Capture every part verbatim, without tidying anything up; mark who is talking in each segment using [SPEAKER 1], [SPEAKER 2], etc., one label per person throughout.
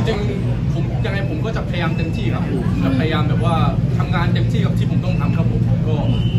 [SPEAKER 1] ริงๆผมยังไงผมก็จะพยายามเต็มที่ครับจะพยายามแบบว่าทำงานเต็มที่กับที่ผมต้องทำครับผมก็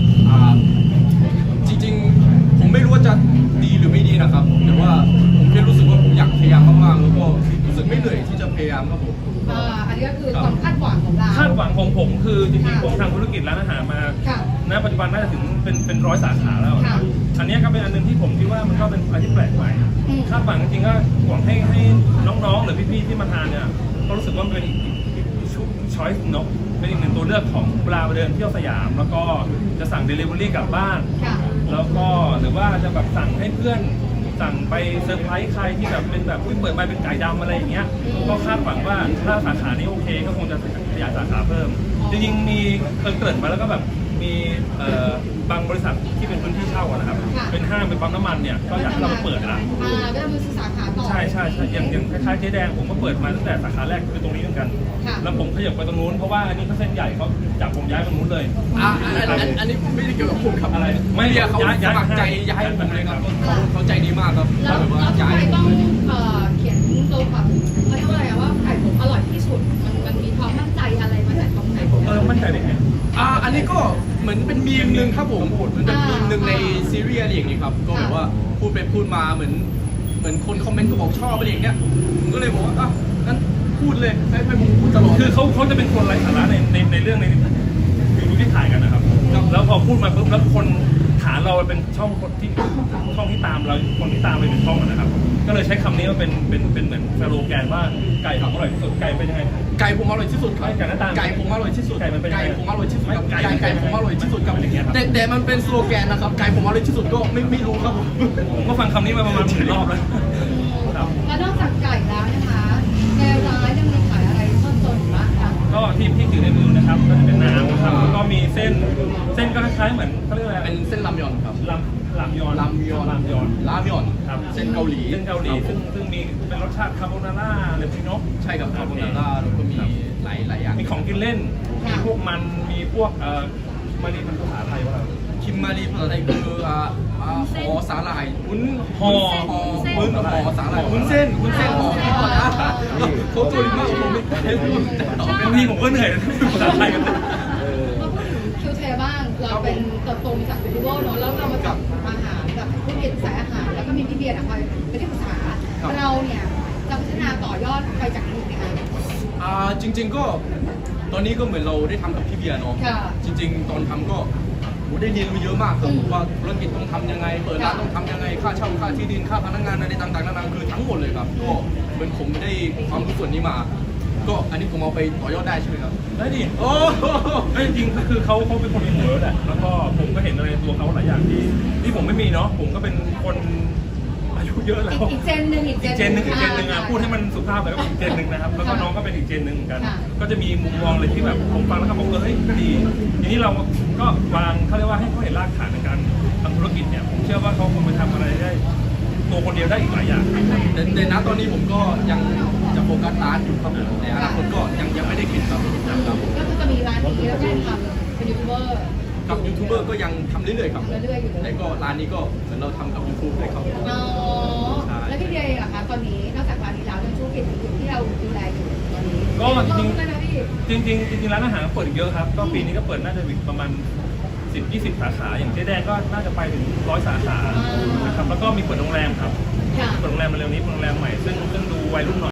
[SPEAKER 1] จริงๆผมไม่รู้ว่าจะดีหรือไม่ดีนะครับแต่ว่าผมแค่รู้สึกว่าผมอยากพยายามมากๆแล้วก็รู้สึกไม่เหนื่อยที่จะพยายามครับผม
[SPEAKER 2] อ่าอันนี้ก็คือความคาดหวังของเรา
[SPEAKER 3] คาดหวังของผมคือจริงๆผมทำธุรกิจร้านอาหารมาณปัจจุบันน่าจะถึงเป็นเป็นร้อยสาขาแล้วอันนี้ก็เป็นอันนึงที่ผมคิดว่ามันก็เป็นอะไรที่แปลกใหม่คาดหวังจริงๆก็หวังให้ให้น้องๆหรือพี่ๆที่มาทานเนี่ยก็รู้สึกว่าเป็นอีกช้อยส์เนาะเป็นอีกหนึ่งตัวเลือกของเวลาไปเดินเที่ยวสยามแล้วก็จะสั่ง Delivery กลับบ้านแล้วก็หรือว่าจะแบบสั่งให้เพื่อนสั่งไปเซอร์ไพรส์ใครที่แบบเป็นแบบเปิดมาเป็นไก่ดำอะไรอย่างเงี้ยก็คาดหวังว่าถ้าสาขานี้โอเคก็คงจะขยายสาขาเพิ่มจริงๆมีเกิดมาแล้วก็แบบมีบางบริษัทที่เป็นพื้นที่เช่านะครับเป็นห้างเป็นปั๊มน้ำมันเนี่ยก็อยากให้เราไปเปิดละ
[SPEAKER 2] อ่าก็จะมีสาขาต่อ
[SPEAKER 3] ใช่ใช่ใช่อย่างอย่างคล้ายๆเจ๊แดงผมก็เปิดมาตั้งแต่สาขาแรกคือตรงนี้เหมือนกันแล้วผมขยับไปตรงนู้นเพราะว่าอันนี้เขาเส้นใหญ่เขาจับผมย้ายไปตรงนู้นเลย
[SPEAKER 1] อ่าอันนี้ไม่ได้เกี่ยวกับผมครับ
[SPEAKER 3] อะไร
[SPEAKER 1] ไม่เดียเขาสมัครใจย้ายผมเลยครับเขาใจดีมากครับ
[SPEAKER 2] แล้วทำไมต้องเขียนตัวแบบเขาเรียกว่าอะไรว่าไก่ผมอร่อยที่สุดมันมันมีความมั่นใจอะไรมาจากตรงไหน
[SPEAKER 3] เออมั่นใจได้ไง
[SPEAKER 1] อ่าอันนี้ก็เหมือนเป็นมีมหนึ่งครับผมมันเป็นมีมหนึ่งในซีรีส์อะไรอย่างนี้ครับก็แบบว่าพูดไปพูดมาเหมือนเหมือนคนคอมเมนต์ก็บอกชอบอะไรอย่างเงี้ยผมก็เลยบอกว่าอ่ะงั้นพูดเลยให้ให้ผมพูดตลอด
[SPEAKER 3] คือเขาเขาจะเป็นคนไร้สาระในในในเรื่องในวิดีโอที่ถ่ายกันนะครับแล้วพอพูดมาปุ๊บแล้วคนฐานเราเป็นช่องคนที่ช่องที่ตามเราคนที่ตามไปเป็นช่องนะครับก็เลยใช้คำนี้ว่าเป็นเป็นเป็นเหมือนสโลแกนว่าไก่ผมอร่อยที่สุดไก่เป็นยังไง
[SPEAKER 1] ไก่ผมอร่อยที่สุดครับ
[SPEAKER 3] ไก่หน้าตา
[SPEAKER 1] ไก่ผมอร่อยที่สุด
[SPEAKER 3] ไก่มันเป็น
[SPEAKER 1] ไก่ผมอร่อยที่สุดครับไก่ไก่ผมอร่อยที่สุดครับ
[SPEAKER 3] อย่างเงี้ย
[SPEAKER 1] แต่แต่มันเป็นสโลแกนนะครับไก่ผมอร่อยที่สุดก็ไม่ไม่รู้ครับผม
[SPEAKER 3] ผมก็ฟังคำนี้มาประมาณหมื่นรอบแล้ว
[SPEAKER 2] แล้วนอกจากไก่แล้วนะคะในร้านยังมีขายอะไรเพิ่มเติมบ้างคะ
[SPEAKER 3] ก็ที่ที่ถือในมือนะครับก็จะเป็นน้ำครับแล้วก็มีเส้นเส้นก็คล้ายๆเหมือนเขาเรียกอะไร
[SPEAKER 1] เป็นเส้นรามยอนครับ
[SPEAKER 3] รามรามยอน
[SPEAKER 1] รามยอน
[SPEAKER 3] รามยอน
[SPEAKER 1] รามยอน
[SPEAKER 3] ครับ
[SPEAKER 1] เส้นเกาหลี
[SPEAKER 3] เส้นเกาหลีซึ่งซึ่งมีเป็นรสชาติคาโบนาร่าหรือพี่นก
[SPEAKER 1] ใช่กับคาโบนาร่าแล้วก็มีหลายหลายอย่าง
[SPEAKER 3] มีของกินเล่นมีพวกมันมีพวกเอ่อมารีมันภาษาไทยว่า
[SPEAKER 1] คิมมารีภาษาไทยคืออ่าห่อสาหร่ายวุ้น
[SPEAKER 3] ห่อ
[SPEAKER 1] วุ้นห่อสาหร่ายวุ้นเส้นวุ้นเส้นห่อเขาตัวดีมากผมไม่รู้
[SPEAKER 3] บางทีผมก็เหนื่อยภาษาไทยกัน
[SPEAKER 2] มาพูดถึงคิวเทบ้างเราเป็นเติบโตมาจากยูทูบเบอร์เนาะแล้วเรามาจับอาหารแบบธุรกิจสายอาหารแล้วก็มีพี่เบียร์คอยเป็นที่ปรึกษาเราเนี่ยจะพัฒนาต่อยอดไปจากนี้ไหมคะ
[SPEAKER 1] อ่าจริงๆก็ตอนนี้ก็เหมือนเราได้ทำกับพี่เบียร์เนาะจริงๆตอนทำก็ได้เรียนรู้เยอะมากครับว่าธุรกิจต้องทำยังไงเปิดร้านต้องทำยังไงค่าเช่าค่าที่ดินค่าพนักงานอะไรต่างๆนานาคือทั้งหมดเลยครับก็เหมือนผมได้ความรู้ส่วนนี้มาก็อันนี้ผมเอาไปต่อยอดได้ใช่ไหมครับ
[SPEAKER 3] ได้ดิโอ้จริงๆคือเขาเขาเป็นคนมีเวิร์ดแหละแล้วก็ผมก็เห็นอะไรตัวเขาหลายอย่างที่ที่ผมไม่มีเนาะผมก็เป็นคนอายุเยอะแล้ว
[SPEAKER 2] อีกเจนหนึ่งอีก
[SPEAKER 3] เจนหนึ่งอีกเจนหนึ่งอ่ะพูดให้มันสุภาพหน่อยก็อีกเจนหนึ่งนะครับแล้วก็น้องก็เป็นอีกเจนหนึ่งเหมือนกันก็จะมีมุมมองเลยที่แบบผมฟังแล้วครับผมก็เฮ้ยก็ดีทีนี้เราก็วางเขาเรียกว่าให้เขาเห็นรากฐานในการทำธุรกิจเนี่ยผมเชื่อว่าเขาคงไปทำอะไรได้ตัวคนเดียวได้อีกหลายอย่าง
[SPEAKER 1] แต่แต่ณตอนนี้ผมก็ยังจะโฟกัสร้านอยู่ครับในอนาคตก็ยังยังไม่ได้คิดครับ
[SPEAKER 2] ก็คือจะมีร้านนี้แล้วก็ทำเป็นยูทูบเบอร์
[SPEAKER 1] กับยูทูบเบอร์ก็ยังทำเรื่อยๆครับ
[SPEAKER 2] เรื่อยๆอยู่เลย
[SPEAKER 1] แต่ก็ร้านนี้ก็เหมือนเราทำกับยูทูบเลยครับ
[SPEAKER 2] อ๋อแล้วพี่เดียล่ะคะตอนนี้นอกจากร้านนี้แล้วเป็นธุรกิจที่เราดูแลอยู่ตอนนี้
[SPEAKER 3] ก็จริงจริงจริงจริงร้านอาหารเปิดเยอะครับก็ปีนี้ก็เปิดน่าจะประมาณสิบ ยี่สิบสาขาอย่างเจ๊แดงก็น่าจะไปถึงร้อยสาขานะครับแล้วก็มีเปิดโรงแรมครับเปิดโรงแรมมาเร็วนี้เปิดโรงแรมใหม่ซึ่งซึ่งดูวัยรุ่นหน่อย